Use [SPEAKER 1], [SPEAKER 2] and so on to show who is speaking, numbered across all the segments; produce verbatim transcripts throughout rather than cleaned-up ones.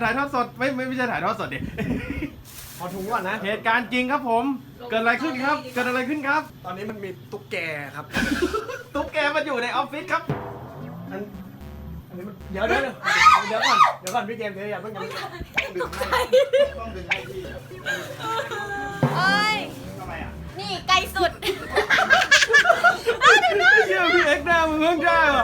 [SPEAKER 1] ายทอดสดไม่ไม่ไม่ใช่ถ่ายทอดสดดิ
[SPEAKER 2] ขอถุงก่อนนะ
[SPEAKER 1] เหตุการณ์จริงครับผมเกิดอะไรขึ้นครับเกิดอะไรขึ้นครับ
[SPEAKER 2] ตอนนี้มันมีตุ๊กแกครับ
[SPEAKER 1] ตุ๊กแกมาอยู่ในออฟฟิศครับ
[SPEAKER 2] อันอันนี้มันเดี๋ยวเดี๋ยวเดี๋ยวก่อนเดี๋ยวก่อนพี่เกมเดี๋ยวอย่าเพิ่งอย่าเพิ่งดื่มให้ต้องดื่มให้พี่
[SPEAKER 3] เอ้ย
[SPEAKER 2] ทำไมอ่ะ
[SPEAKER 3] นี่ไกลสุด
[SPEAKER 1] เยี่ยพี่เอ็กซ์หน้ามึงเพิ่งได้ว่ะ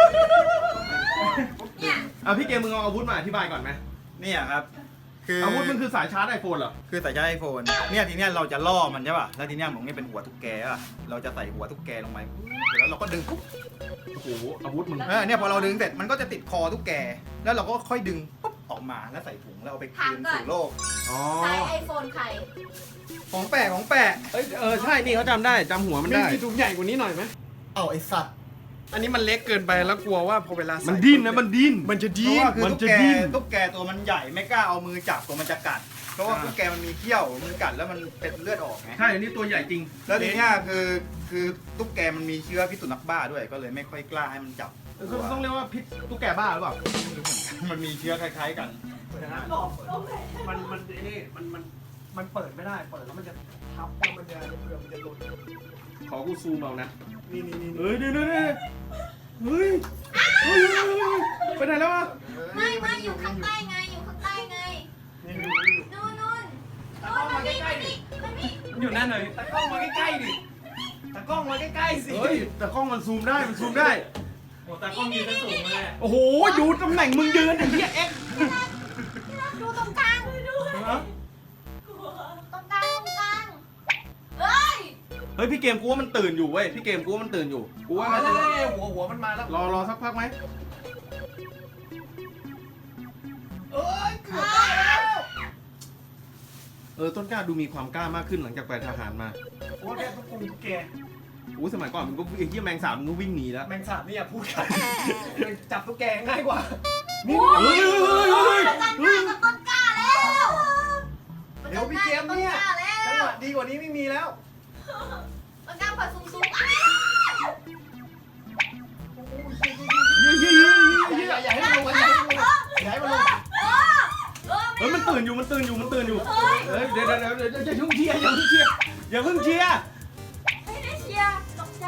[SPEAKER 3] เนี่ย
[SPEAKER 1] อ่ะพี่เกมมึงเอาอาวุธมาอธิบายก่อนไหม
[SPEAKER 4] เนี่ยครับคือ
[SPEAKER 1] อาวุธมึงคือสายชาร์จไอโฟนเหรอ
[SPEAKER 4] คือสายชาร์จไอโฟนเนี่ยทีเนี้ยเราจะล่อมันใช่ป่ะแล้วทีเนี้ยผมนี่เป็นหัวตุ๊กแกอ่ะเราจะใส่หัวตุ๊กแกลงไปแล้วเราก็ดึงปุ๊บ
[SPEAKER 1] โอ้โหอาวุธมึง
[SPEAKER 4] เออเนี่ยพอเราดึงเสร็จมันก็จะติดคอตุ๊กแกแล้วเราก็ค่อยดึงปุ๊บออกมาแล้วใส่ถุงแล้วเอาไปคืนสู่โลก
[SPEAKER 1] อ๋อ
[SPEAKER 3] ใช้ไอโฟนใคร
[SPEAKER 4] ของแปะของแปะ
[SPEAKER 1] เอ้ยเออใช่นี่เขาจำได้จำหัวมัน
[SPEAKER 2] มี
[SPEAKER 1] ได้
[SPEAKER 2] มีถุงใหญ่กว่านี้หน่อยไหม
[SPEAKER 4] เอาไอสัตว์
[SPEAKER 2] อันนี้มันเล็กเกินไปแล้วกลัวว่าพอเวลาใส่
[SPEAKER 1] มันดิ้นนะมันดิ้น
[SPEAKER 2] มันจะ
[SPEAKER 4] เพ
[SPEAKER 2] ดิ้
[SPEAKER 4] ราะ
[SPEAKER 2] น
[SPEAKER 4] ว่าคือ
[SPEAKER 1] มัน
[SPEAKER 4] ตุ๊ก
[SPEAKER 1] จะ
[SPEAKER 4] แก
[SPEAKER 1] ดิ้น
[SPEAKER 4] ตุ๊กแกตัวมันใหญ่ไม่กล้าเอามือจับตัวมันจะกัดเพราะว่า
[SPEAKER 1] อ่า
[SPEAKER 4] ตุ๊กแกมันมีเขี้ยวมือกัดแล้วมันเป็นเลือดออกไง
[SPEAKER 1] ใช่อันนี้ตัวใหญ่จริง
[SPEAKER 4] แล้วทีเนี้ยคือคือตุ๊กแกมันมีเชื้อพิษสุนัขบ้าด้วยก็เลยไม่ค่อยกล้าให้มันจับ
[SPEAKER 1] ต้องต้องเรียกว่าพิษตุ๊กแกบ้าหรือเปล่า
[SPEAKER 4] มันมีเชื้อคล้ายๆกัน
[SPEAKER 2] มันมันไอ้นี่มันมันมันเปิดไม่ได้เปิดแล้วมันจะทับแล้วมันจะเผื่อมันจะหลุด
[SPEAKER 1] ขอกูซูมเอานะ
[SPEAKER 2] นี่นี่นี่
[SPEAKER 1] เฮ้ยเดี๋ยวเดี๋ยวเดี๋ยวเฮ้ยเฮ้ยเฮ้ยเฮ้ยไปไหนแล้ววะ
[SPEAKER 3] ไม่ไม่อยู่ข้างใต้ไง อยู่ข้างใต้ไง
[SPEAKER 2] นี่นี่นี่
[SPEAKER 3] นู่นนู่นนู่นมันนี่มันนี่มันนี่
[SPEAKER 2] อยู่นั่นเลยตะกล้องมาใกล้ๆดิตะกล้องมาใกล้ๆสิ
[SPEAKER 1] เฮ้ยแต่กล้องมันซูมได้มันซูมได้
[SPEAKER 3] โอ้ตากล้องยืนสูงเลย
[SPEAKER 1] โอ้โหดูตำแหน่งมึงยืนไอ้เหี้ยเอ็กซ์
[SPEAKER 3] ดูตรงกลางด้วยตรงกลางตรงกลางเฮ้ย
[SPEAKER 1] เฮ้ยพี่เกมกูว่ามันตื่นอยู่เว้ยพี่เกมกูว่ามันตื่นอยู่กูว่ามัน
[SPEAKER 2] เฮ้ยหัวหัวมันมาแล้ว
[SPEAKER 1] รอรอสักพักไหม
[SPEAKER 2] เอ้ยเกือบได้แล้ว
[SPEAKER 1] เออต้นกล้าดูมีความกล้ามากขึ้นหลังจากไปทหารมา
[SPEAKER 2] โอ้แกตุ๊กตุ๊กแก
[SPEAKER 1] อู้สมัยก่อนมึงก็ไอ้เหี้ยแมงสาบมึงก็วิ่งหนีแล้ว
[SPEAKER 2] แมงสาบนี่อย่าพูดกันจับตุ๊กแกง่ายกว่า
[SPEAKER 1] เฮ้ยเฮ้ยเฮ้ย
[SPEAKER 3] ต้นก
[SPEAKER 1] เฮ้
[SPEAKER 3] ล้าย กับต้นกล้าแล้ว
[SPEAKER 2] เดี๋ยวพี่เกมเนี่ย
[SPEAKER 3] ต้นกล้าแล้
[SPEAKER 2] จังห
[SPEAKER 3] ว
[SPEAKER 2] วะดีกว่านี้ไม่มีแล้ว
[SPEAKER 3] ต้นกล้าเปิดสูงสูงอ้า
[SPEAKER 1] เฮ้ยเฮ้ยเฮ้ยเฮ้ย
[SPEAKER 2] อย่าอย่าให้มันลงอย่าให้มันลงอย่าให้มันลง
[SPEAKER 1] เฮ้ยมันตื่นอยู่มันตื่นอยู่มันตื่นอยู่เฮ้ยเดี๋ยวเดี๋ยวเดี๋ยวอย่าเพิ่งเชียร์อย่าเพิ่งเชียร์อย่าเพิ่งเชียร์
[SPEAKER 3] ไม่ได้เชียร์ตกใจ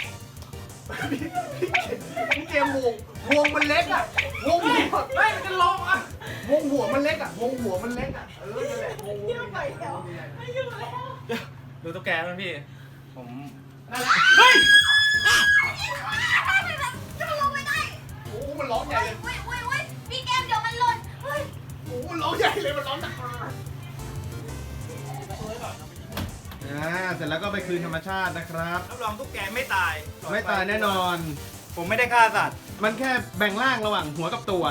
[SPEAKER 2] พี่เกมวงวงมันเล็กอ่ะวงหัว
[SPEAKER 1] ไม่มันจะลงอ่ะ
[SPEAKER 2] วงหัวมันเล็กอ่ะวงหัวมันเล็กอ่ะเออนั่นแหละวงหัวมันเล็กอะ
[SPEAKER 5] ดูตุ๊กแกมั้ยพี่
[SPEAKER 4] ผม
[SPEAKER 1] เฮ้ย
[SPEAKER 3] จะลงไม่ได้
[SPEAKER 2] โอ้มันร้องใหญ่เลย
[SPEAKER 3] อุ้ยอุ้ยอุ้ยพี่เกมเดี๋ยวมันหล่นเฮ้ย
[SPEAKER 2] โอ้มันร้องใหญ่เลยมันร้องหนัก
[SPEAKER 1] อ่าเสร็จแล้วก็ไปคืนธรรมชาตินะครับ
[SPEAKER 4] รับรองตุ๊กแกไม่ตาย
[SPEAKER 1] ไม่ตายแน่นอน
[SPEAKER 4] ผมไม่ได้ฆ่าสัตว์
[SPEAKER 1] มันแค่แบ่งร่างระหว่างหัวกับตัว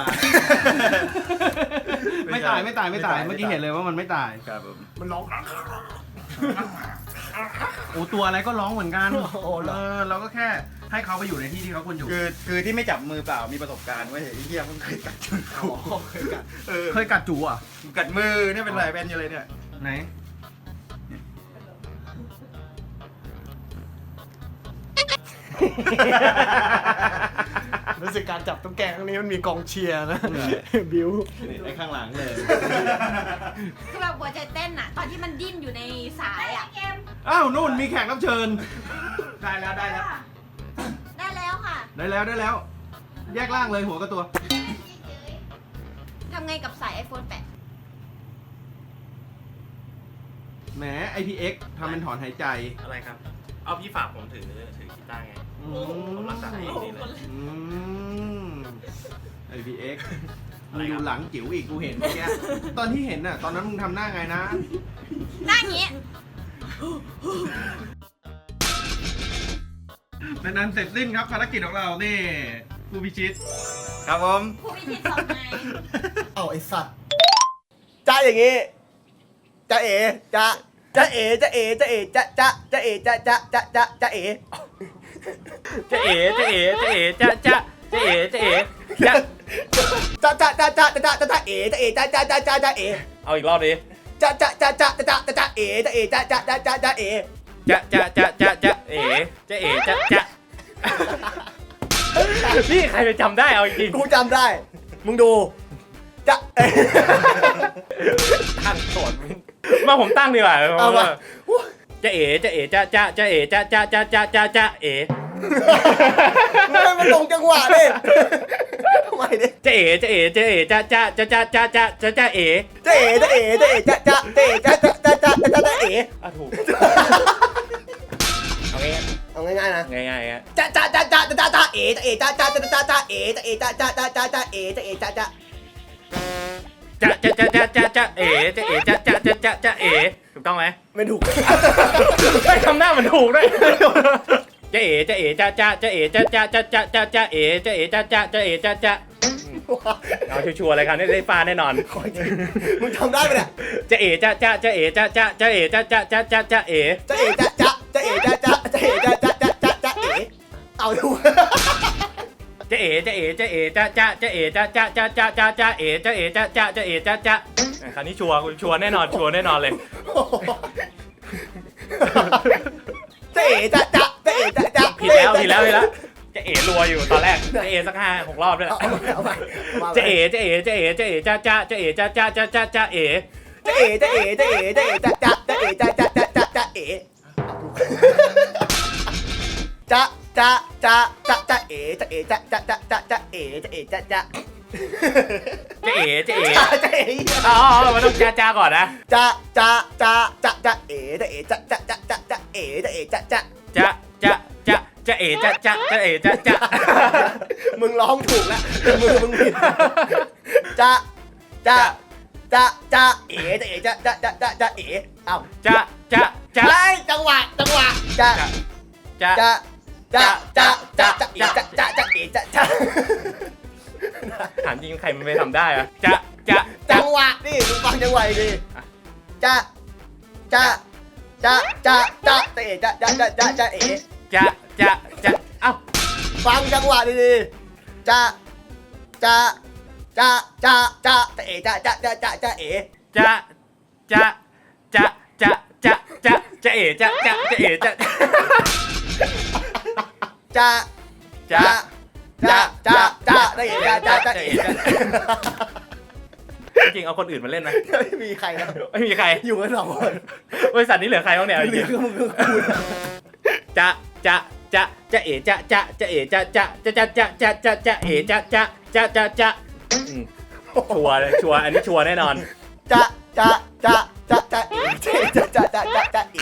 [SPEAKER 1] ไม่ตายไม่ตายไม่ตายเมื่อกี้เห็นเลยว่ามันไม่ตาย
[SPEAKER 4] ครับผม
[SPEAKER 2] มันร้อง
[SPEAKER 1] โอ้ตัวอะไรก็ร้องเหมือนกัน
[SPEAKER 2] โอ้โหเหรอ
[SPEAKER 1] เออเราก็แค่ให้เขาไปอยู่ในที่ที่เขาควรอยู่
[SPEAKER 4] คือคือที่ไม่จับมือเปล่ามีประสบการณ์ไว้ยไอ้เหี้ยมึงเคยกัดมือ
[SPEAKER 2] อ๋
[SPEAKER 4] กู
[SPEAKER 2] อเคยกัด
[SPEAKER 4] เออ
[SPEAKER 1] เคยกัดจูอ่ะ
[SPEAKER 4] กัดมือเนี่ยเป็นไรเป็นอยู่เลยเนี่ย
[SPEAKER 1] ไหน
[SPEAKER 2] รู้สึกการจับตุ๊กแกครั้งนี้มันมีกองเชียร์นะบิว
[SPEAKER 1] นี่ไอ้ข้างหลังเลย
[SPEAKER 3] คือแบบหัวใจเต้นอะตอนที่มันดิ้นอยู่ในสายอะเกม
[SPEAKER 1] อ้าวนู่นมีแขกรับเชิญ
[SPEAKER 2] ได้แล้วได้แล้ว
[SPEAKER 3] ได้แล้วค่ะ
[SPEAKER 1] ได้แล้วได้แล้ว แยกร่างเลยหัวกับตัว
[SPEAKER 3] ทำไงกับสาย ไอโฟนแปด
[SPEAKER 1] แหม ไอ พี เอ็กซ์ ทำเป็นถอนหายใจ
[SPEAKER 5] อะไรครับ เอาพี่ฝากผมถือถือกีตาร์ไง
[SPEAKER 1] อื
[SPEAKER 5] ผมรักษาให้อย่างนี้เลย
[SPEAKER 1] อืม ไอ พี เอ็กซ์
[SPEAKER 5] อะ
[SPEAKER 1] มึ
[SPEAKER 5] ไรง ครับ
[SPEAKER 1] ดูหลังจิ๋วอีกกูเห็นเมื่อกี้ตอนที่เห็นน่ะ ตอนนั้นมึงทำหน้าไงนะ
[SPEAKER 3] หน้าอย่างงี้
[SPEAKER 1] เป็นนั้นเสร็จสิ้นครับภารกิจของเรา นี่ผู้พิชิต
[SPEAKER 4] ครับผม
[SPEAKER 3] ผู้พิชิตสองไง
[SPEAKER 2] เอาไอสัตว์
[SPEAKER 6] จ้าอย่างงี้จ้าเอ๋จ้าจ้าเอ๋จ้าเอ๋จ้าเอ๋จ้าจ้าจ้าเอ๋จ้าจ้าจ้าจ้าจ้าเอ๋
[SPEAKER 5] จะเอ๋จะเอ๋จะเอ๋จะจะจะเอ๋จะเอ๋จะ
[SPEAKER 6] จ้าจ้าจ้าจ้าจ้าจ้าจ้าเอ๋จ้าเอ๋จ้าจ้าจ้าจ้าจ้าเอ๋
[SPEAKER 5] เอาอีกรอบดิ
[SPEAKER 6] จ้าจ้าจ้าจ้าจ้าจ้าจ้าเอ๋จ้าเอ๋จ้าจ้าจ้าจ้าจ้าเอ๋
[SPEAKER 5] จะจะจะจะจะเอ๋จะเอ๋จะจะนี่ใครจะจำได้เอาจริง
[SPEAKER 6] กูจำได้ มึงดูจะเอ๋
[SPEAKER 5] ตั้งโสดมาผมตั้งดีกว่า
[SPEAKER 6] เอามา
[SPEAKER 5] จะเอ๋จะเอ๋จะจะจะเอ๋จะจะจะจะจะจะเอ๋
[SPEAKER 6] ไม่มันตรงจังหวะดิทำไมดิ
[SPEAKER 5] จะเอ๋จะเอ๋จะเอ๋จะจะจะจะจะจะจะจะเอ๋
[SPEAKER 6] จะเอ๋จะเอ๋จะเอ๋จะจะจะเอ๋จะจะจะจะจะจะเอ๋
[SPEAKER 5] อ่ะถูกเอาง่าย
[SPEAKER 6] เอาง่ายๆนะ
[SPEAKER 5] ง่ายง่ายๆฮะ
[SPEAKER 6] จะจะจะจะจะจะเอ๋จะเอ๋จะจะจะจะจะเอ๋จะเอ๋จะจะจะจะจะเอ๋จะเอ๋จะจะ
[SPEAKER 5] จะจะจะจะจะจะเอ๋จะเอ๋จะจะจะจะจะเอ๋ถูกต้องไหม
[SPEAKER 6] ไม่ถูก
[SPEAKER 5] ไม่ทำหน้ามันถูกด้วยจะเอ๋จะเอ๋จะจะจะเอ๋จะจะจะจะจะจะเอ๋จะเอ๋จะจะจะเอ๋จะจะเอาชัวร์ๆเลยครับได้ฟาแน่นอน
[SPEAKER 6] มึงทำได้ไหมเนี่ย
[SPEAKER 5] จะเอ๋จะจะจะเอ๋จะจะจะเอ๋จะจะจะจะจะเอ๋
[SPEAKER 6] จะเอ๋จะจะจะเอ๋จะจะจะเอ๋จะจะจะจะจะเอ๋เอาดู
[SPEAKER 5] จะเอ๋จะเอ๋จะเอ๋จะจะจะเอ๋จะจะจะจะจะจะเอ๋จะเอ๋จะจะจะเอ๋จะจะคราวนี้ชัวร์ชัวร์แน่นอนชัวร์แน่นอนเลย
[SPEAKER 6] จะเอ๋จะจะจะเอ๋จะจะ
[SPEAKER 5] ผิดแล้วผิดแล้วผิดแล้วจะเอ๋รัวอยู่ตอนแรกจะเอ๋สักห้าหกรอบด้วย
[SPEAKER 6] เอาไปเอาไป
[SPEAKER 5] จะเอ๋จะเอ๋จะเอ๋จะเอ๋จะจะจะเอ๋จะจะจะจะจะเอ๋
[SPEAKER 6] จะเอ๋จะเอ๋จะเอ๋จะเอ๋จะจะจะเอ๋จะจะจะจะจะเอ๋จะจะจะจะจะเอ๋จะเอ๋จะจะจะจะจะเอ๋จะเอ๋จะจะ
[SPEAKER 5] จะเอ๋จะเอ๋
[SPEAKER 6] จะเอ๋
[SPEAKER 5] อ๋อมันต้องจ้าจ้าก่อนนะ
[SPEAKER 6] จะจะจะจะจะเอ๋จะเอ๋จะจะจะจะจะเอ๋จะเอ๋จะจะ
[SPEAKER 5] จะจะจะจะเอ๋จะจะจะเอ๋จะจะ
[SPEAKER 6] มึงร้องถูกแล้วมือมึงผิดจะจะจะจะเอ๋จะเอ๋จะจะจะจะจะเอ๋เอ้า
[SPEAKER 5] จะจะจะ
[SPEAKER 6] ไล่จังหวะจังหวะจะ
[SPEAKER 5] จะ
[SPEAKER 6] จะจะจะจะจะเอ๋จะจะจะเอ๋จะจะ
[SPEAKER 5] ถามจริงใครมันไม่ทำได้อะจะจะ
[SPEAKER 6] จังหวะนี่มึงฟังจังหวะดิจะจะจะจะจะเอ๋จะจะจะจะจะเอ๋
[SPEAKER 5] จะจะจะเอ้า
[SPEAKER 6] ฟังจังหวะดีๆจะจะจะจะจะจะเอ๋จะจะจะจะจะเอ๋
[SPEAKER 5] จะจะจะจะจะจะจะเอ๋จะจะจะเอ๋จะ
[SPEAKER 6] จะจะจะจะจะจะเอ๋จะจะจะ
[SPEAKER 5] จะ
[SPEAKER 6] เอ๋
[SPEAKER 5] เอ๋จะจริงเอาคนอื่นมาเล่นไหม
[SPEAKER 6] ไม่มีใครแล้ว
[SPEAKER 5] ไม่มีใคร
[SPEAKER 6] อยู่กันสองคน
[SPEAKER 5] บริษัทนี้เหลือใครบ้างเนี่ยจ
[SPEAKER 6] เหลื
[SPEAKER 5] ริ
[SPEAKER 6] อง ก็มึงก็กู
[SPEAKER 5] จะจะจะจะเอ๋จะจะจะเอ๋จะจะจะจะจะจะจะจะเอ๋จะจะจะจะจะชัวร์เลยชัวร์อันนี้ชัวร์แน่นอน
[SPEAKER 6] จะจะจะจะจะเอ๋จะจะจะจะจะเอ๋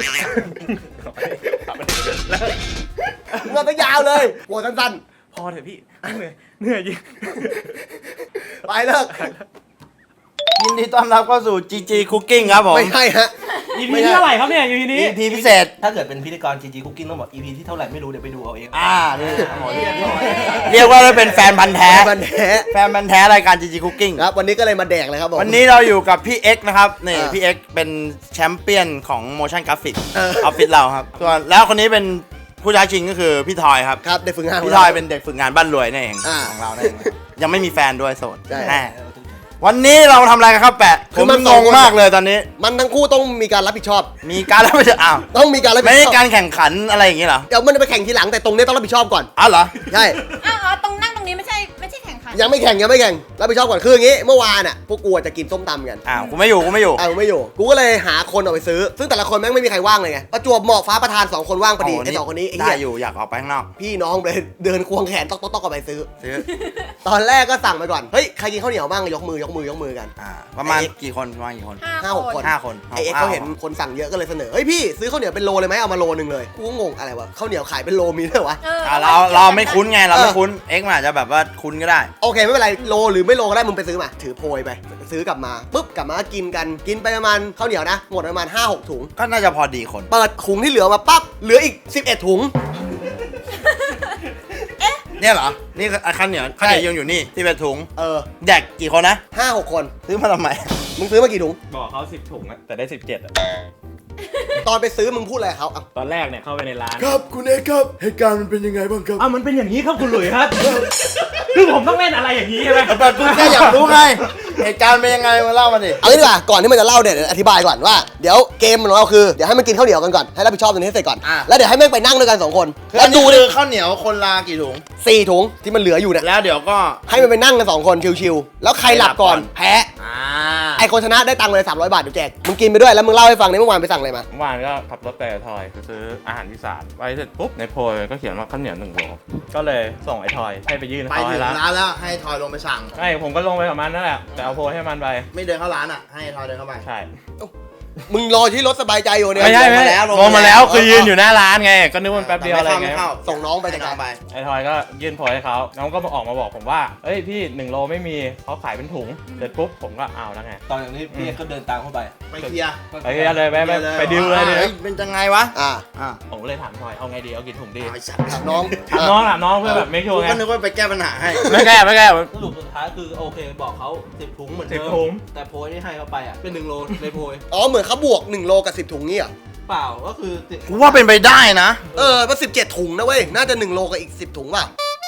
[SPEAKER 6] มันก็ยาวเลยหัวสั้น
[SPEAKER 5] พอเถอะพี่เหนื่อยเหนื่อยจริง
[SPEAKER 6] ๆไปเลิก
[SPEAKER 4] ยินดีต้อนรับเข้าสู่ จี จี Cooking ครับผม
[SPEAKER 6] ไม่ใช่ฮะ
[SPEAKER 5] อีพีที่เท่าไหร่ครับเนี่ยอีพีนี้
[SPEAKER 6] อี พีพิเศษ
[SPEAKER 2] ถ้าเกิดเป็นพิธีกร จี จี Cooking ต้องบอก อี พี ที่เท่าไหร่ไม่รู้เดี๋ยวไปดูเอาเอง
[SPEAKER 4] อ่านี่เรียกว่าได้เป็นแฟนพันธ์แท้
[SPEAKER 6] มันแท้
[SPEAKER 4] แฟนพันธ์แท้รายการ จี จี Cooking
[SPEAKER 6] ครับวันนี้ก็เลยมาแดกเลยครับผม
[SPEAKER 4] วันนี้เราอยู่กับพี่เอ็กซ์นะครับนี่
[SPEAKER 6] อ่า
[SPEAKER 4] พี่เอ็กซ์เป็นแชมเปี้ยนของ motion graphic
[SPEAKER 6] เออ
[SPEAKER 4] ออฟฟิศเราครับส่วนแล้วคนนี้เป็นผู้ท้าชิงก็คือพี่ทอยครับ
[SPEAKER 6] ครับได้ฝึกงาน
[SPEAKER 4] พี่ทอยเป็นเด็กฝึกงานบ้านรวยนั่นเอง
[SPEAKER 6] อ่า
[SPEAKER 4] ของเรานั่นเองยังไม่มีแฟนด้วยโสด
[SPEAKER 6] ใช่
[SPEAKER 4] แน่วันนี้เราทำอะไรกันครับแปะ
[SPEAKER 6] คื
[SPEAKER 4] ผ
[SPEAKER 6] อ
[SPEAKER 4] ม
[SPEAKER 6] มัน
[SPEAKER 4] ง
[SPEAKER 6] สอง
[SPEAKER 4] ง
[SPEAKER 6] คน
[SPEAKER 4] มากเลยตอนนี้
[SPEAKER 6] มันทั้งคู่ต้องมีการรับผิดชอบ
[SPEAKER 4] มีการรับผิดชอบอ้าว
[SPEAKER 6] ต้องมีการรับผิ
[SPEAKER 4] ไม่
[SPEAKER 6] ด
[SPEAKER 4] ใช่
[SPEAKER 6] ชอบ
[SPEAKER 4] การแข่งขันอะไรอย่างงี้เหรอ
[SPEAKER 6] เดี๋ยวมันจะไปแข่งทีหลังแต่ตรงนี้ต้องรับผิดชอบก่อน
[SPEAKER 4] อ้าวเหรอ
[SPEAKER 6] ใช่
[SPEAKER 3] อ้าวอ๋อตรงนั่งตรงนี้ไม่ใช่ไม่ใช่แข่งขัน
[SPEAKER 6] ยังไม่แข่งยังไม่แข่งรับผิดชอบก่อนคืออย่างงี้เมื่อวานอ่ะพวกกูจะกินส้มตำกัน
[SPEAKER 4] อ้าวกูไม่อยู่กูไม่อยู่
[SPEAKER 6] เอาไม่อยู่กูก็เลยหาคนออกไปซื้อ ซึ่งแต่ละคนแม่งไม่มีใครว่างเลยไงประจวบเหมาะฟ้าประธานสองคนว่างพอดี
[SPEAKER 4] โอ้
[SPEAKER 6] ไอ้สองคนนี้ไอ้
[SPEAKER 4] ได้
[SPEAKER 6] เหี้ย
[SPEAKER 4] อยู่อยากออกไปข้างนอก
[SPEAKER 6] พี่น้องเลยเดินควงแขนต๊อกต๊อกต๊อกออกไปซื้อ
[SPEAKER 4] ซื้อ
[SPEAKER 6] ตอนแรกก็สั่งไปก่อนเฮ้ยใครกินข้าวเหนียวบ้างยกมือยกมือยกมือกัน
[SPEAKER 4] อ่าประมาณกี่คนประมาณกี่คน
[SPEAKER 6] ห้าหกคน
[SPEAKER 4] ห้าคน
[SPEAKER 6] ไอเอ็กซ์เขาเห็นคนสั่งเยอะก็เลยเสนอเฮ้ยพี่ซื้อข้าวเหนียวเป็นโลเลยไหมเอามาโลนึงเลยกูก็งงอะไรวะข้าวเหนียวขายเป็นโลมีด้วยวะ
[SPEAKER 3] เออ
[SPEAKER 4] อ่าเราเราไม่คุ้นไงเราไม่คุ้นเอ็กซ์มันอาจจะแบบว่าคุ้นก็ได้
[SPEAKER 6] โอเคไม่เป็นไรโลหรือไม่โลก็ได้มึงไปซื้อมาถือโพยไปซื้อกลับมาปุ๊บกลับมากินกันกินไปประมาณข้าวเหนียวนะหมดประมาณ ห้าหก ถุง
[SPEAKER 4] ก็น่าจะพอดีคน
[SPEAKER 6] เปิดถุงที่เหลือมาปั๊บเหลืออีกสิบเอ็ดถุง
[SPEAKER 4] เนี่ยเหรอนี่คือข้าวเหนียวข้าวเหนียวยังอยู่นี่ที่เป็นถุง
[SPEAKER 6] เออ
[SPEAKER 4] แดกกี่คนนะ
[SPEAKER 6] ห้าหกคน
[SPEAKER 4] ซื้อมาทำไม
[SPEAKER 6] มึงซื้อมากี่ถุง
[SPEAKER 5] บอกเขาสิบถุงอะแต่ได้สิบเจ็ดอะ
[SPEAKER 6] ตอนไปซื้อมึงพูดอะไรกับเขาอ่ะ
[SPEAKER 5] ตอนแรกเนี่ยเข้าไปในร้าน
[SPEAKER 6] ครับคุณเอกครับเหตุการณ์มันเป็นยังไงบ้างครับ
[SPEAKER 5] อ้าวมันเป็นอย่างนี้ครับคุณหลุยครับ คือผมต้องเล่นอะไรอย่างนี้ใช่ไหม
[SPEAKER 4] แต่กูแค่อยากรู้ไง
[SPEAKER 6] เหตุการณ์เป็นยังไงมาเล่ามาดิเอางี้ดีกว่าก่อนที่มันจะเล่าเนี่ยเดี๋ยวอธิบายก่อนว่าเดี๋ยวเกมของเราคือเดี๋ยวให้มันกินข้าวเหนียวกันก่อนให้รับผิดชอบตรงนี้ให้เสร็จก่อนแล้วเดี๋ยวให้แม่งไปนั่งด้วยกันสองคนแล้วดูดิข้าวเหนียวคนละกี่ถุงสี่ถุงที่มันเหลืออยู่เนี่ยแล้วเดี๋ยวก็ให้มันไปนั่งกันสองคนชิวๆแล้วใครหลับก่อนแพ้ไอคนชนะได้ตังค์เลยสามร้อยบาทเดี๋ยวแจกมึงกินไปด้วยแล้วมึงเล่าให้ฟังในเมื่อวานไปสั่งอะไรมา
[SPEAKER 5] เมื่อวานก็ขับรถไปกับทอยไปซื้ออาหารอีสานไปเสร็จปุ๊บในโพยก็เขียนว่าข้าวเหนียวหนึ่งโลก็เลยส่งไอ้ทอยให้ไปยื่น
[SPEAKER 6] ไป
[SPEAKER 5] เขา
[SPEAKER 6] ถึ
[SPEAKER 5] ให้
[SPEAKER 6] ง
[SPEAKER 5] ละ
[SPEAKER 6] ร้านแล้วให้ทอยลงไปสั่ง
[SPEAKER 5] ใช่ผมก็ลงไปกับมันนั่นแหละแต่เอาโพยให้มันไป
[SPEAKER 6] ไม่เดินเข้าร้านอ่ะให้ทอยเดินเข้าไป
[SPEAKER 5] ใช่
[SPEAKER 6] มึงรอที่รถสบายใจอยู่เนี่ย
[SPEAKER 5] ไม่ใช่ไม่
[SPEAKER 6] ลง
[SPEAKER 5] ใช่
[SPEAKER 6] แล้ว
[SPEAKER 5] ลงมาแล้วคือยืนอยู่หน้าร้านไงก็นึกว่ามันแป๊บเดียวอะไรไง
[SPEAKER 6] ส่งน้องไปจัดการไป
[SPEAKER 5] ไอ้ทอยก็ยื่นโพยให้เขาน้องก็มาออกมาบอกผมว่าเอ้ยพี่หนึ่งโลไม่มีเขาขายเป็นถุงเสร็จปุ๊บผมก็เอาแล้วไง
[SPEAKER 1] ตอนอย่างนี้พี่ก็เดินตามเข้าไป
[SPEAKER 6] ไปเคลียร์
[SPEAKER 5] ไปเคลียร์เลยไปไปไปดิวเลยดิ
[SPEAKER 6] เป็นจังไงวะอ่าอ่า
[SPEAKER 5] ผมเลยถามทอยเอาไงดีเอากี่ถุงดี
[SPEAKER 6] ไอ้สัตว์ถามน้อง
[SPEAKER 5] ถามน้องถามน้องเพื่อแบบไม่ชัวร์ไง
[SPEAKER 6] ก็นึกว่าไปแก้ปัญหาให้
[SPEAKER 5] ไม่แก้ไม่แก้
[SPEAKER 7] สรุปสุดท้ายคือโอเคบอกเขาสิบถุงเหมือนเดิ
[SPEAKER 5] สิบถุง
[SPEAKER 7] แต่โพยที่ให้เขาไปอ่ะเป็นหนึ่งโลในโพย
[SPEAKER 6] อ๋อเหมือนเขาบวกหนึ่งโลกับสิบถุงนี่อ่ะ
[SPEAKER 7] เปล่าก็คือ
[SPEAKER 6] กูว่าเป็นไปได้นะเออว่าสิบเจ็ดถุงนะเว้ยน่าจะหนึ่งโลกับอีกสิบถุงป่ะ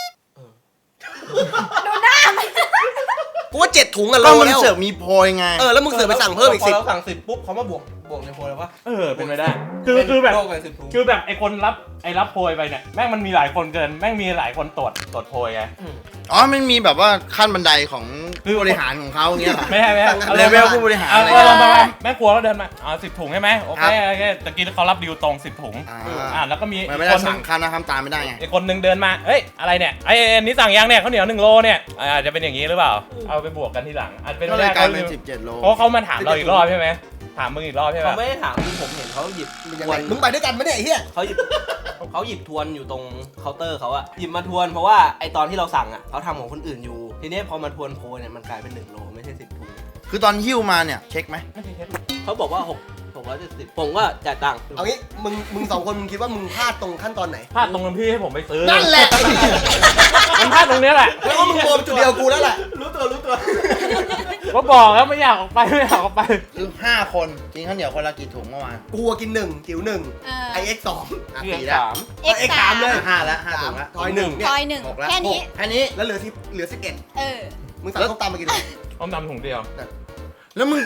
[SPEAKER 3] ดูหน้ามัน
[SPEAKER 6] กูว่าเจ็ดถุงอะโล
[SPEAKER 8] ก็มัน
[SPEAKER 6] แล้ว
[SPEAKER 8] เสือกมีโพยไง
[SPEAKER 6] เออแล้วมึงเสือกไปสั่งเพิ่มอีก
[SPEAKER 7] พอ
[SPEAKER 6] สิบ
[SPEAKER 7] เราสั่งสิบปุ๊บเขามาบวกบวกในโพยแล้ววะ
[SPEAKER 5] เออเป็นไปได้ คือคือแบบ
[SPEAKER 7] โลกไปสิบถุง
[SPEAKER 5] คือแบบไอ้คนรับไอ้รับโพยไปเนี่ยแม่งมันมีหลายคนเกินแม่งมีหลายคนตรวจตรวจโพยไง
[SPEAKER 8] อ๋อมันมีแบบว่าขั้นบันไดของ
[SPEAKER 5] คือ
[SPEAKER 8] ผู้บริหารของเขาอย่างเงี้ยเหรอ
[SPEAKER 5] ไม่ใช่ไม่ใช่
[SPEAKER 8] เลเวลผู้บริหาร
[SPEAKER 5] เอา
[SPEAKER 8] อะไร
[SPEAKER 5] เอาลอง
[SPEAKER 8] เงี้ย
[SPEAKER 5] มาแม่ครัวก็เดินมาอ๋อสิบถุงใช่ไหมโอเค
[SPEAKER 8] ครับ
[SPEAKER 5] โอเคตะกี้เขารับดิวตรงสิบถุง
[SPEAKER 8] อ่า
[SPEAKER 5] อ่าแล้วก็มี
[SPEAKER 8] มัน
[SPEAKER 5] อี
[SPEAKER 8] ไม่
[SPEAKER 5] ก
[SPEAKER 8] ได้
[SPEAKER 5] คนนึ
[SPEAKER 8] สั่
[SPEAKER 5] ง
[SPEAKER 8] งคันนะทำตามไม่ได้ไง
[SPEAKER 5] อีกคนนึงเดินมาเอ้ยอะไรเนี่ยไอ้อันนี้สั่งยังเนี่ยข้าวเหนียวหนึ่งโลเนี่ยอาจจะเป็นอย่างนี้หรือเปล่าเอาไปบวกกันทีหลังอาจเป็น
[SPEAKER 8] ก็
[SPEAKER 5] ไป
[SPEAKER 8] เลย
[SPEAKER 5] ได้
[SPEAKER 8] กลายเป็นสิบเจ็ดโล
[SPEAKER 5] เพราะเขามาถามเราอีกรอบใช่ไหมถามมึงอีกรอบใช่ไหม
[SPEAKER 7] เขาไม่ได้ถามคือผมเห็นเขาหยิบ
[SPEAKER 6] มึงยัง
[SPEAKER 7] ทว
[SPEAKER 6] ไง
[SPEAKER 7] น
[SPEAKER 6] มึงไปด้วยกันไหมเนี่ยไอ้เหี้ย
[SPEAKER 7] เขาหยิบเขาหยิบทวนอยู่ตรงเคาน์เตอร์เขาอะหยิบมาทวนเพราะว่าไอตอนที่เราสั่งอะเขาทำของคนอื่นอยู่ ทีนี้พอมาทวนโพยเนี่ยมันกลายเป็นหนึ่งโลไม่ใช่สิบถุง
[SPEAKER 8] คือตอนหิ้วมาเนี่ยเช็คไหม
[SPEAKER 7] เขาบอกว่าหกหกร้อยเจ็ดสิบผมก็จ่ายตังค์
[SPEAKER 6] เอางี้มึงมึงสองคนมึงคิดว่ามึงพลาดตรงขั้นตอนไหน
[SPEAKER 5] พลาดตรงนั้นพี่ให้ผมไปซื้อ
[SPEAKER 6] นั่นแหละ
[SPEAKER 5] มันพลาดตรงเนี้ยแหละ
[SPEAKER 6] แล้วก็มึงโกงจุดเดียวกูแล้วแหละ
[SPEAKER 7] รู้ตัวรู้ตัว
[SPEAKER 5] ก็บอกแล้วไม่อยากออกไปไม่อยากออกไป
[SPEAKER 8] คือห้าคนกินข้าวเหนียวคนละกี่ถุงเมื่อวาน
[SPEAKER 6] กูอะกินหนึ่งจิ๋วหนึ่ง
[SPEAKER 3] เออ
[SPEAKER 6] ไอเอ็กซ์สอง
[SPEAKER 8] อ่ะ
[SPEAKER 5] เรียก
[SPEAKER 8] สี่แล้ว
[SPEAKER 5] สาม
[SPEAKER 3] เอ็ก
[SPEAKER 6] เอ็กซ์
[SPEAKER 3] สา
[SPEAKER 6] สาม มเลย
[SPEAKER 8] ห้าแล้วห้า
[SPEAKER 6] สา
[SPEAKER 8] ถุ
[SPEAKER 6] ม
[SPEAKER 8] งแล้ว
[SPEAKER 6] ทอยหนึ่งเนี่ย
[SPEAKER 3] ทอยหนึ่ง
[SPEAKER 8] หกแล้ว
[SPEAKER 3] แค่นี้
[SPEAKER 8] แค่นี้
[SPEAKER 6] แล้วเหลือที่เหลือสิบเอ็ด
[SPEAKER 3] เออ
[SPEAKER 6] มึงสั่งส้มตำมากี่ถุง
[SPEAKER 5] ต้มตำถุงเดียว
[SPEAKER 8] แล้วมึง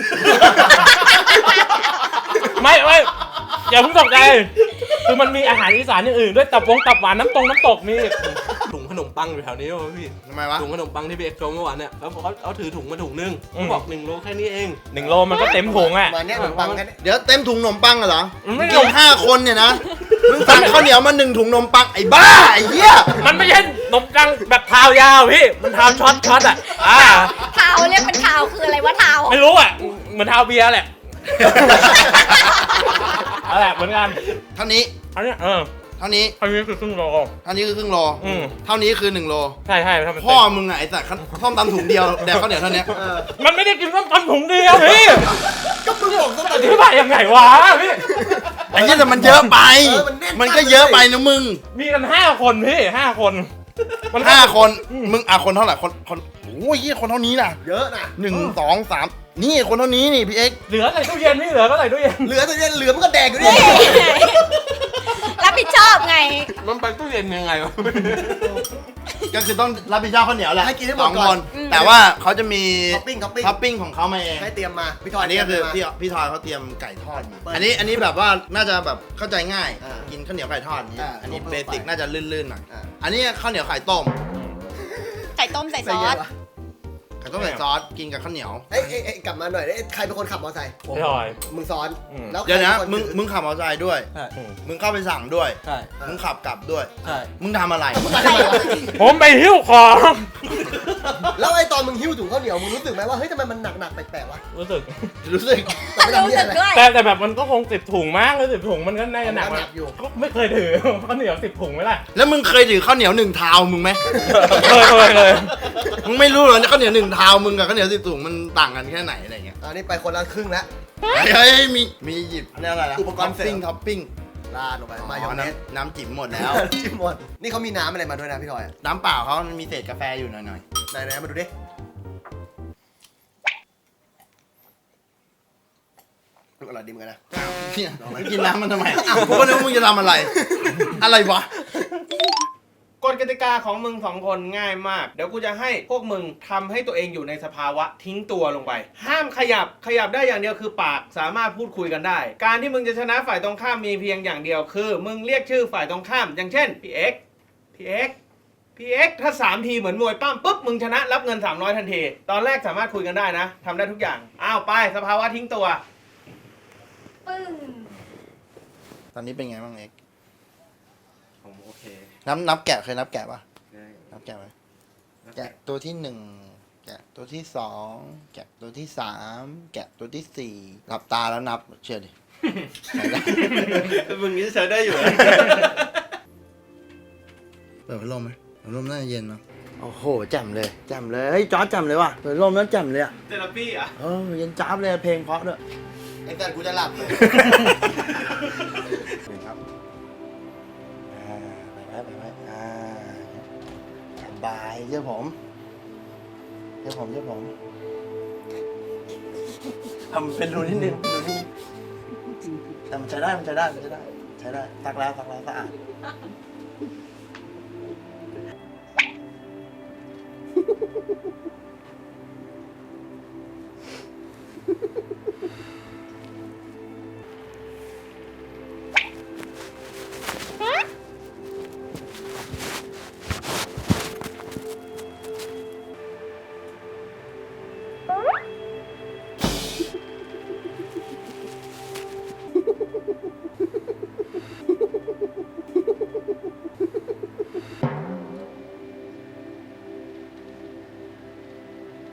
[SPEAKER 5] ไม่ไม่อย่าเพิ่งตกใจคือมันมีอาหารอีสานอย่างอื่นด้วยตับวงตับหวานน้ำตรงน้ำตกมี
[SPEAKER 7] ถุงขนมปังอยู่แถวนี้วะพี่
[SPEAKER 8] ทำไมวะ
[SPEAKER 7] ถุงขนมปังที่พี่เอ็กซ์โจมเมื่อวานเนี่ยแล้วเขาเอาถือถุงมาถุงนึงเขาบอกหนึ่งโลแค่นี้เอง
[SPEAKER 5] หนึ่งโลมันก็เต็มถุงอ่ะ
[SPEAKER 6] มาเนี้ยขนมปังแค่นี้
[SPEAKER 8] เดี๋ยวเต็มถุงนมปังเหรอ
[SPEAKER 5] มันไม่
[SPEAKER 8] กินห้าคนเนี่ยนะมึงสั่งข้าวเหนียวมาหนึ่งถุงนมปังไอ้บ้าไอ้เหี้ย
[SPEAKER 5] มันไม่ใช่นมกังแบบเท้ายาวพี่มันเท้าช็อตช็อตอ่ะอ่า
[SPEAKER 3] เทาเรียกเป็นเทาคืออะไรวะเทา
[SPEAKER 5] ไม่รู้อ่ะเหมือนเท้าเบียร์แหละอะไรเหมือนกัน
[SPEAKER 8] เท่านี้
[SPEAKER 5] อันนี้เออ
[SPEAKER 8] เท่านี้
[SPEAKER 5] อันนี้คือครึ่งโล
[SPEAKER 8] เท่านี้คือครึ่งโล
[SPEAKER 5] อืม
[SPEAKER 8] เท่านี้คือหนึ่งโล
[SPEAKER 5] ใช่ใช่ถ้ามัน
[SPEAKER 8] พ่
[SPEAKER 5] เต็
[SPEAKER 8] อ
[SPEAKER 5] ม
[SPEAKER 8] มึงอะไอ้สัตว์ข้าวตำถุงเดียวแดกข้าวเหนียวเท่านี้
[SPEAKER 5] มันไม่ได้กินต้มตำถุงเดียวพี่
[SPEAKER 6] ก็มึงบอกส้ม
[SPEAKER 5] อ
[SPEAKER 6] ตำ
[SPEAKER 5] ธิบายยังไงวะพี่
[SPEAKER 8] ไอ้เหี้ยแต่มันเยอะไป
[SPEAKER 6] เออมันแน่น
[SPEAKER 8] มันก็เยอะไปนะมึง
[SPEAKER 5] มีกันห้าคนพี่ห้าคนมัน
[SPEAKER 8] ห้าคน มึงอ่ะคนเท่าไหร่คนคนโอ้ยเหี้ยคนเท่านี้น่ะ
[SPEAKER 6] เยอะนะ
[SPEAKER 8] หนึ่งสองสามนี่คนเท่านี้นี่พี่เอ็กซ์
[SPEAKER 5] เหลือใส่ตู้เย็นพี่เหลือก็ใส่ตู้เย็น
[SPEAKER 6] เหลือแต่เนี่ยเหลือมันก็แดกอยู่ดิ
[SPEAKER 3] รับผิดชอบไง
[SPEAKER 7] มันไปตู้เย็นยังไงวะ
[SPEAKER 8] ก็คือต้องรับผิดชอบข้าวเหนียวแหละ
[SPEAKER 6] ให้กินให้หม
[SPEAKER 8] ส
[SPEAKER 6] ด
[SPEAKER 8] อง
[SPEAKER 6] ก่อ
[SPEAKER 8] คน น แต่ว่าเขาจะมี
[SPEAKER 6] ท็อปปิ้งท็อปปิ้ง
[SPEAKER 8] ท็อปปิ้งของเขามาเอง
[SPEAKER 6] ให้เตรียมมาพี่ทอย
[SPEAKER 8] อันนี้ก็คือ
[SPEAKER 6] เตรี
[SPEAKER 8] พี่
[SPEAKER 6] ยมมา
[SPEAKER 8] พี่ทอยเขาเตรียมไก่ทอดมา
[SPEAKER 6] เปิด
[SPEAKER 8] อันนี้อันนี้แบบว่าน่าจะแบบเข้าใจง่าย
[SPEAKER 6] อ่ากิ
[SPEAKER 8] กินข้าวเหนียวไก่ทอดนี้
[SPEAKER 6] อ่า
[SPEAKER 8] อันนี้
[SPEAKER 6] ทั่วๆ
[SPEAKER 8] เบสิก
[SPEAKER 6] ไป
[SPEAKER 8] น่าจะลื่นๆหน่อย
[SPEAKER 6] อ่า
[SPEAKER 8] อันนี้ข้าวเหนียวไข่ต้ม
[SPEAKER 3] ไข่ต้มใส่ซอส
[SPEAKER 8] ไข่ต้มใส่ซอสกินกับข้าวเหนียว
[SPEAKER 6] เอ้ยเอ้ยเอ้ยกลับมาหน่อยเอ้ยใครเป็นคนขับมอเตอร์ไซค์
[SPEAKER 5] พี่ทอย
[SPEAKER 6] มึงซ้อน
[SPEAKER 5] อืม
[SPEAKER 6] แล้วใคร
[SPEAKER 8] เดี๋ยวนะ
[SPEAKER 6] ป็ค
[SPEAKER 8] มึง
[SPEAKER 6] ถือ
[SPEAKER 8] มึงขับมอเตอร์ไซค์ด้วย
[SPEAKER 7] ใช่
[SPEAKER 8] มึงเข้าไปสั่งด้วย
[SPEAKER 7] ใช่
[SPEAKER 8] มึงขับกลับด้วย
[SPEAKER 7] ใช่
[SPEAKER 8] มึงทำอะไร
[SPEAKER 6] อะไรวะ
[SPEAKER 5] ผมไปหิ้วของ
[SPEAKER 6] แล้วไอ้ตอนมึงหิ้วถุงข้าวเหนียวมึงรู้สึกไหมว่าเฮ้ยทำไมมันหนักๆแปลกๆวะ
[SPEAKER 5] รู้สึก
[SPEAKER 8] รู้สึก
[SPEAKER 6] แต่ไม่ทำ
[SPEAKER 3] รู้
[SPEAKER 6] เหี้ย
[SPEAKER 3] สึก
[SPEAKER 6] อะไร
[SPEAKER 3] ด้วย
[SPEAKER 5] แต่แต่แบบมันก็คงสิบถุงมากเลยสิบถุงมันก็น่าจะหนัก
[SPEAKER 6] มันหนักอยู่
[SPEAKER 5] ก็ไม่เคยถือข้าวเหนียวสิบถุงไหมล่ะ
[SPEAKER 8] แล้วมึงเคยถือข้าวเหนียวหนึ่งเท้ามึงไหม
[SPEAKER 5] เคยเคยเลย
[SPEAKER 8] มึงไม่รู้เหรอเนี่ยข้าวเหนียวหนึ่งเท้ามึงกับข้าวเหนียวสิบถุงมันต่างกันแค่ไหนอะไรเงี้ย
[SPEAKER 6] อันนี้ไปคนละครึ่งแล้ว
[SPEAKER 8] เฮ้ยมีมีหยิบเนี่ยอะไรนะ
[SPEAKER 6] อุปกรณ์เสริม
[SPEAKER 8] ท็อปปิ้งท็อปปิ้ง
[SPEAKER 6] ลาดลงไปมายองเนส
[SPEAKER 8] น้ำน้ำจิ๋มหมดแล้ว
[SPEAKER 6] จิ้มหมดนี่เขามีน้ำอะไรมาด้วยนะพี่ทอย
[SPEAKER 8] น้ำเปล่าเขามันมีเศษกาแฟอยู่หน่อย
[SPEAKER 6] ไหนๆมาดูดิอร่อยดีเหมือนกันนะ
[SPEAKER 8] ๆเนี่ยมึงกินน้ำมันทำไมอ้าวกูก็นึกว่ามึงจะทำอะไร อะไรวะ
[SPEAKER 1] กฎกติกาของมึงสองคนง่ายมาก เดี๋ยวกูจะให้พวกมึงทำให้ตัวเองอยู่ในสภาวะทิ้งตัวลงไป ห้ามขยับขยับได้อย่างเดียวคือปากสามารถพูดคุยกันได้ การที่มึงจะชนะฝ่ายตรงข้ามมีเพียงอย่างเดียวคือ มึงเรียกชื่อฝ่ายตรงข้าม อย่างเช่นพี่เอ็กพี่เอ็กพี่เอ็กถ้าสามทีเหมือนมวยปั้มปุ๊บมึงชนะรับเงินสามร้อยทันทีตอนแรกสามารถคุยกันได้นะทำได้ทุกอย่างอ้าวไปสภาวะทิ้งตัว
[SPEAKER 3] ปึ้ง
[SPEAKER 8] ตอนนี้เป็นไงบ้างเอ็ก
[SPEAKER 1] ผมโอเค
[SPEAKER 8] นับนับแกะเคยนับแกะปะนับแกะไหมแกะตัวที่หนึ่งแกะตัวที่สองแกะตัวที่สามแกะตัวที่สี่หลับตาแล้วนับเชื่อดิ ใช่ได้
[SPEAKER 1] มึงนี้ใช้ได้อยู่
[SPEAKER 8] เปิดพัดลมไหมเปิดพัดลมน่าจะเย็นเนาะโอ้โหแจ่มเลยแจ่มเลยเฮ้ยจอร์จแจ่มเลยว่ะเปิดพัดลมแล้วแจ่มเลยอ่ะ
[SPEAKER 1] เทอราปีอ่ะ
[SPEAKER 8] เออเย็นจ้าบเลยเพลงเพราะด้วย
[SPEAKER 6] ไอ้แต่กูจะหลับเลย
[SPEAKER 8] ครับอ่าไปไว้ไปไว้อ่าสบายเชื่อผมเชื่อผมเชื่อผมทำเป็นรูนิดนึงรูนิดนึงแต่มันใช้ได้มันใช้ได้มันใช้ได้ใช้ได้ซักแล้วซักแล้วสะอาด